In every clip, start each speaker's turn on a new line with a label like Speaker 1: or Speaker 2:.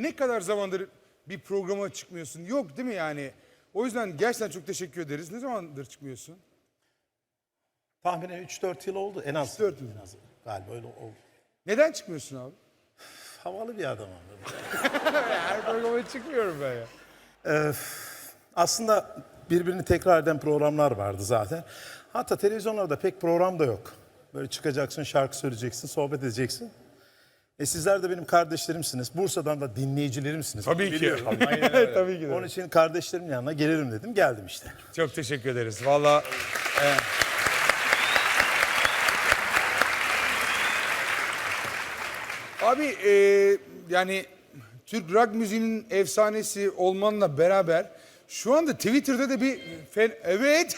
Speaker 1: ne kadar zamandır bir programa çıkmıyorsun? Yok değil mi yani? O yüzden gerçekten çok teşekkür ederiz. Ne zamandır çıkmıyorsun?
Speaker 2: Tahminen 3-4 yıl oldu en az.
Speaker 1: 3-4 yıl.
Speaker 2: En az. Galiba öyle oldu.
Speaker 1: Neden çıkmıyorsun abi?
Speaker 2: Havalı bir adamım.
Speaker 1: Her programa çıkmıyorum ben ya.
Speaker 2: Aslında birbirini tekrar eden programlar vardı zaten. Hatta televizyonlarda pek program da yok. Böyle çıkacaksın, şarkı söyleyeceksin, sohbet edeceksin. Sizler de benim kardeşlerimsiniz. Bursa'dan da dinleyicilerimsiniz.
Speaker 1: Tabii ki.
Speaker 2: Biliyorum.
Speaker 1: Tabii ki de.
Speaker 2: Onun için kardeşlerimin yanına gelirim dedim. Geldim işte.
Speaker 1: Çok teşekkür ederiz. Valla. Abi yani Türk rock müziğinin efsanesi olmanla beraber şu anda Twitter'da da bir evet.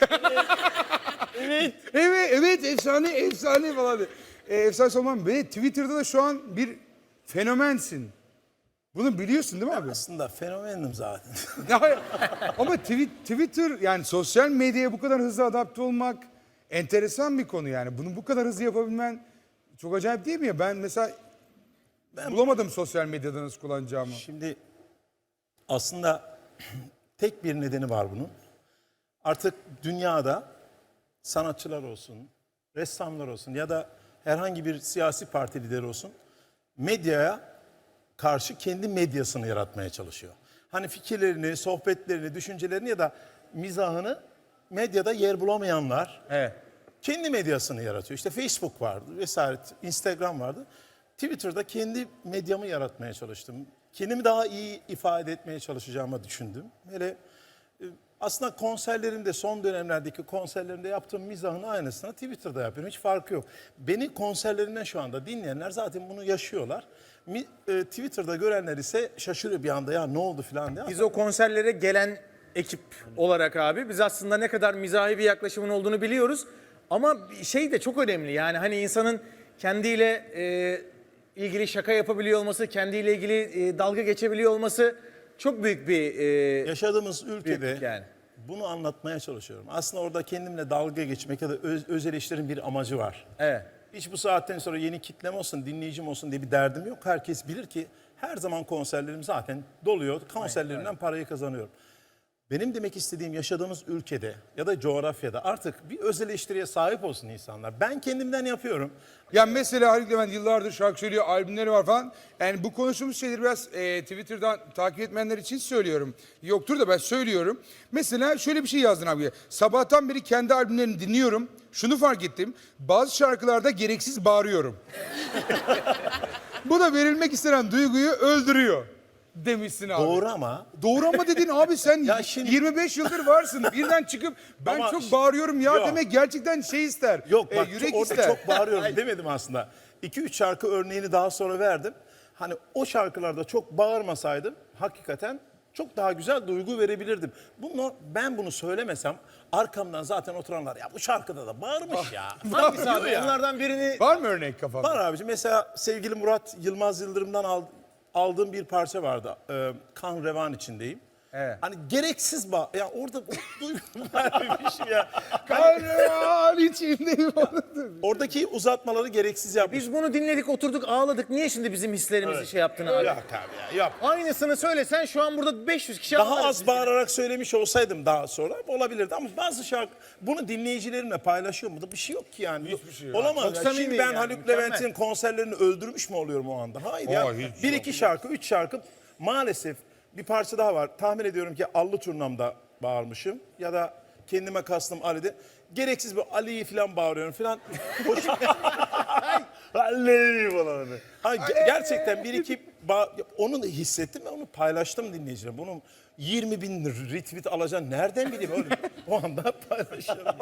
Speaker 1: evet efsane falan. Efsane olman ve Twitter'da da şu an bir fenomensin. Bunu biliyorsun değil mi abi?
Speaker 2: Aslında fenomenim zaten.
Speaker 1: Ya, ama Twitter yani sosyal medyaya bu kadar hızlı adapte olmak enteresan bir konu yani. Bunu bu kadar hızlı yapabilmen çok acayip değil mi ya? Ben mesela bulamadım sosyal medyada nasıl kullanacağımı.
Speaker 2: Şimdi aslında tek bir nedeni var bunun. Artık dünyada sanatçılar olsun, ressamlar olsun ya da herhangi bir siyasi parti lideri olsun medyaya karşı kendi medyasını yaratmaya çalışıyor. Hani fikirlerini, sohbetlerini, düşüncelerini ya da mizahını medyada yer bulamayanlar
Speaker 1: Evet.
Speaker 2: kendi medyasını yaratıyor. İşte Facebook vardı vesaire, Instagram vardı. Twitter'da kendi medyamı yaratmaya çalıştım. Kendimi daha iyi ifade etmeye çalışacağımı düşündüm. Hele aslında konserlerimde, son dönemlerdeki konserlerimde yaptığım mizahın aynısını Twitter'da yapıyorum. Hiç farkı yok. Beni konserlerimden şu anda dinleyenler zaten bunu yaşıyorlar. Twitter'da görenler ise şaşırıyor bir anda, ya ne oldu falan diye.
Speaker 3: Biz o konserlere gelen ekip olarak abi biz aslında ne kadar mizahi bir yaklaşımın olduğunu biliyoruz. Ama şey de çok önemli yani hani insanın kendiyle ilgili şaka yapabiliyor olması, kendiyle ilgili dalga geçebiliyor olması çok büyük bir...
Speaker 2: Yaşadığımız ülkede
Speaker 3: büyük yani.
Speaker 2: bunu anlatmaya çalışıyorum. Aslında orada kendimle dalga geçmek ya da öz eleştirinin bir amacı var.
Speaker 3: Evet.
Speaker 2: Hiç bu saatten sonra yeni kitlem olsun, dinleyicim olsun diye bir derdim yok. Herkes bilir ki her zaman konserlerim zaten doluyor. Konserlerimden parayı kazanıyorum. Benim demek istediğim yaşadığımız ülkede ya da coğrafyada artık bir öz eleştiriye sahip olsun insanlar. Ben kendimden yapıyorum.
Speaker 1: Yani mesela Haluk Levent yıllardır şarkı söylüyor, albümleri var falan. Yani bu konuştuğumuz şeyleri biraz Twitter'dan takip etmeyenler için söylüyorum. Yoktur da ben söylüyorum. Mesela şöyle bir şey yazdın abi. Sabahtan beri kendi albümlerini dinliyorum. Şunu fark ettim. Bazı şarkılarda gereksiz bağırıyorum. Bu da verilmek istenen duyguyu öldürüyor demişsin abi.
Speaker 2: Doğru ama
Speaker 1: Doğru ama dedin abi sen
Speaker 2: Ya şimdi-
Speaker 1: 25 yıldır varsın. Birden çıkıp ben
Speaker 2: Ama
Speaker 1: çok bağırıyorum ya
Speaker 2: yok.
Speaker 1: demek gerçekten şey ister.
Speaker 2: yok bak
Speaker 1: yürek
Speaker 2: orada
Speaker 1: ister.
Speaker 2: çok bağırıyorum demedim aslında. 2-3 şarkı örneğini daha sonra verdim. Hani o şarkılarda çok bağırmasaydım hakikaten çok daha güzel duygu verebilirdim. Ben bunu söylemesem arkamdan zaten oturanlar ya bu şarkıda da bağırmış ya.
Speaker 3: Hangisi abi?
Speaker 2: Diyor ya.
Speaker 3: Onlardan birini...
Speaker 1: Var mı örnek kafanda?
Speaker 2: Var abicim, mesela sevgili Murat Yılmaz Yıldırım'dan aldığım bir parça vardı. Kan revan içindeyim.
Speaker 3: Evet.
Speaker 2: Hani gereksiz ya orada duygu vermemişim ya.
Speaker 1: Kahraman içindeyim.
Speaker 2: Oradaki uzatmaları gereksiz yapmış.
Speaker 3: Biz bunu dinledik, oturduk, ağladık. Niye şimdi bizim hislerimizi şey yaptın abi?
Speaker 2: Yok abi ya, yok.
Speaker 3: Aynısını söylesen şu an burada 500 kişi
Speaker 2: Daha
Speaker 3: ağlarız
Speaker 2: az
Speaker 3: biz.
Speaker 2: bağırarak söylemiş olsaydım daha sonra olabilirdi ama bazı şarkı bunu dinleyicilerimle paylaşıyor mu da bir şey yok ki yani.
Speaker 1: Hiçbir şey yok.
Speaker 2: Olamaz.
Speaker 3: Çok
Speaker 2: ya.
Speaker 3: samimi
Speaker 2: Şimdi ben
Speaker 3: yani,
Speaker 2: Haluk
Speaker 3: mükemmel.
Speaker 2: Levent'in konserlerini öldürmüş mü oluyorum o anda? Hayır ya.
Speaker 1: hiç
Speaker 2: Bir
Speaker 1: yok.
Speaker 2: iki şarkı, 3 şarkı maalesef bir parça daha var. Tahmin ediyorum ki Allı Turnam'da bağırmışım ya da kendime kastım Ali'de. Gereksiz bir Ali'yi falan bağırıyorum falan. Hoş... Ali falan. Gerçekten bir iki onu da hissettim ve onu paylaştım dinleyicilerime. Bunun 20.000 retweet alacağını nereden bileyim oğlum? O anda paylaşıyorum.